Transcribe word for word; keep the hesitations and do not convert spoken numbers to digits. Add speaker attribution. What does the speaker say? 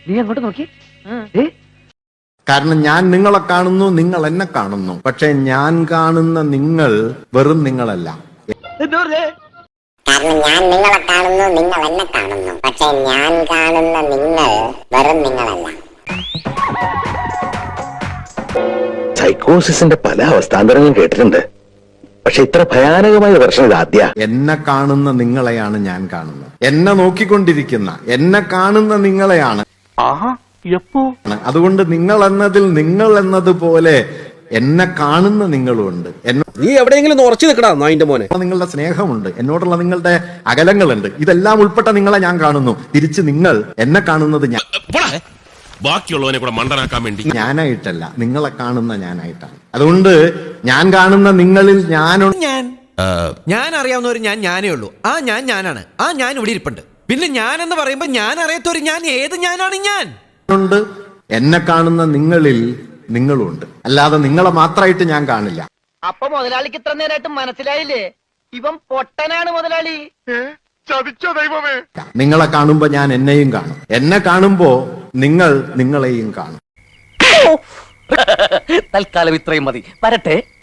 Speaker 1: നീ അങ്ങോട്ട് നോക്കി.
Speaker 2: കാരണം ഞാൻ നിങ്ങളെ കാണുന്നു, നിങ്ങൾ എന്നെ കാണുന്നു. പക്ഷെ ഞാൻ കാണുന്ന നിങ്ങൾ വെറും നിങ്ങളല്ല.
Speaker 3: കാരണം ഞാൻ നിങ്ങളെ കാണുന്നു, നിങ്ങൾ എന്നെ കാണുന്നു. പക്ഷെ ഞാൻ കാണുന്ന നിങ്ങൾ വെറും നിങ്ങളല്ല.
Speaker 4: സൈക്കോസിന്റെ പല അവസ്ഥാന്തരങ്ങളും കേട്ടിട്ടുണ്ട്. പക്ഷെ ഇത്ര ഭയാനകമായ പ്രശ്നം ഇത് ആദ്യ.
Speaker 2: എന്നെ കാണുന്ന നിങ്ങളെയാണ് ഞാൻ കാണുന്നത്. എന്നെ നോക്കിക്കൊണ്ടിരിക്കുന്ന എന്നെ കാണുന്ന നിങ്ങളെയാണ്. അതുകൊണ്ട് നിങ്ങൾ എന്നതിൽ നിങ്ങൾ എന്നതുപോലെ എന്നെ കാണുന്ന നിങ്ങളുണ്ട്.
Speaker 5: നീ എവിടെയെങ്കിലും ഉറച്ചു നിൽക്കടാ അതിന്റെ മോനെ.
Speaker 2: നിങ്ങളുടെ സ്നേഹമുണ്ട്, എന്നോടുള്ള നിങ്ങളുടെ അകലങ്ങളുണ്ട്. ഇതെല്ലാം ഉൾപ്പെട്ട നിങ്ങളെ ഞാൻ കാണുന്നു. തിരിച്ച് നിങ്ങൾ എന്നെ കാണുന്നത് ഞാൻ
Speaker 6: ബാക്കിയുള്ളവനെ കൂടെ മണ്ടനാക്കാൻ വേണ്ടി
Speaker 2: ഞാനായിട്ടല്ല, നിങ്ങളെ കാണുന്ന ഞാനായിട്ടാണ്. അതുകൊണ്ട് ഞാൻ കാണുന്ന നിങ്ങളിൽ ഞാനുണ്ട്.
Speaker 7: ഞാൻ ഞാൻ അറിയാവുന്ന ഒരു ഞാൻ ഞാനേ ഉള്ളൂ. ആ ഞാൻ ഞാനാണ്. ആ ഞാൻ ഇവിടെ ഇരിപ്പുണ്ട്. പിന്നെ ഞാൻ എന്ന് പറയുമ്പോ ഞാൻ അറിയാത്തൊരു ഞാൻ ഏത് ഞാനാണ് ഞാൻ
Speaker 2: ഉണ്ട്. എന്നെ കാണുന്ന നിങ്ങളിൽ നിങ്ങളുണ്ട്. അല്ലാതെ നിങ്ങളെ മാത്രമായിട്ട് ഞാൻ കാണില്ല.
Speaker 1: അപ്പൊ മുതലാളിക്ക് ഇത്ര നേരമായിട്ട് മനസ്സിലായില്ലേ? ഇവൻ പൊട്ടനാണ് മുതലാളി.
Speaker 2: നിങ്ങളെ കാണുമ്പോ ഞാൻ എന്നെയും കാണും. എന്നെ കാണുമ്പോ നിങ്ങൾ നിങ്ങളെയും കാണും.
Speaker 1: തൽക്കാലം ഇത്രയും മതി. വരട്ടെ.